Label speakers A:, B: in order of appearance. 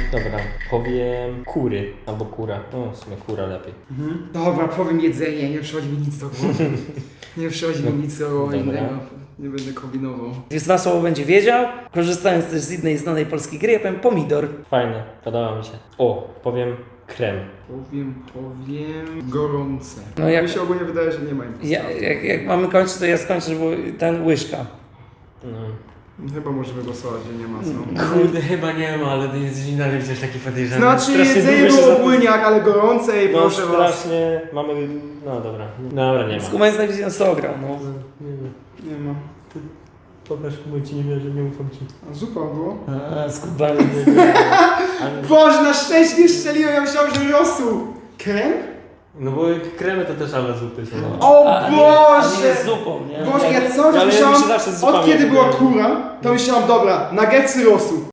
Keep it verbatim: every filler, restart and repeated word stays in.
A: dobra, powiem kury albo kura. No, w sumie kura lepiej.
B: Mhm. Dobra, powiem jedzenie, nie przychodzi mi nic do głowy. Nie przychodzi mi nic do głowy
A: Dobra.
B: innego. Nie będę kombinował.
C: Więc na słowo będzie wiedział, korzystając też z innej znanej polskiej gry, ja powiem pomidor.
A: Fajne, podoba mi się. O, powiem krem.
B: Powiem, powiem... gorące.
C: No jak-
B: Mi się ogólnie wydaje, że nie ma impostacji.
C: Ja, jak, jak mamy kończyć, to ja skończę, bo ten łyżka.
A: No.
B: Chyba możemy głosować, że nie ma co.
A: Kurde, chyba nie ma, ale ty jesteś dalej przecież taki podejrzany.
B: Znaczy
A: Strasznie
B: jedzenie
A: długo się
B: było
A: za-
B: płyniak, ale gorące i
A: No
B: proszę was.
A: strasznie, mamy... No dobra, dobra, nie ma.
C: Skumańc najwyżej nas ograł, no.
A: Nie ma.
B: Nie ma.
A: Pokaż, bo ci nie wierzę, nie ufam ci.
B: A zupa było?
C: A, skubany.
B: Boże, na szczęście nie strzeliłem, ja myślałem, że rosół. Krem?
A: No bo kremy to też ale zupy są. No.
B: O
C: A, a nie-
B: Boże!
C: A nie jest zupą, nie?
B: Boże, ja cały czas
A: Ale ja
B: myślałam,
A: myślę zawsze z zupami
B: od kiedy była
A: wydaje.
B: kura, to myślałam, dobra, nuggetsy rosół.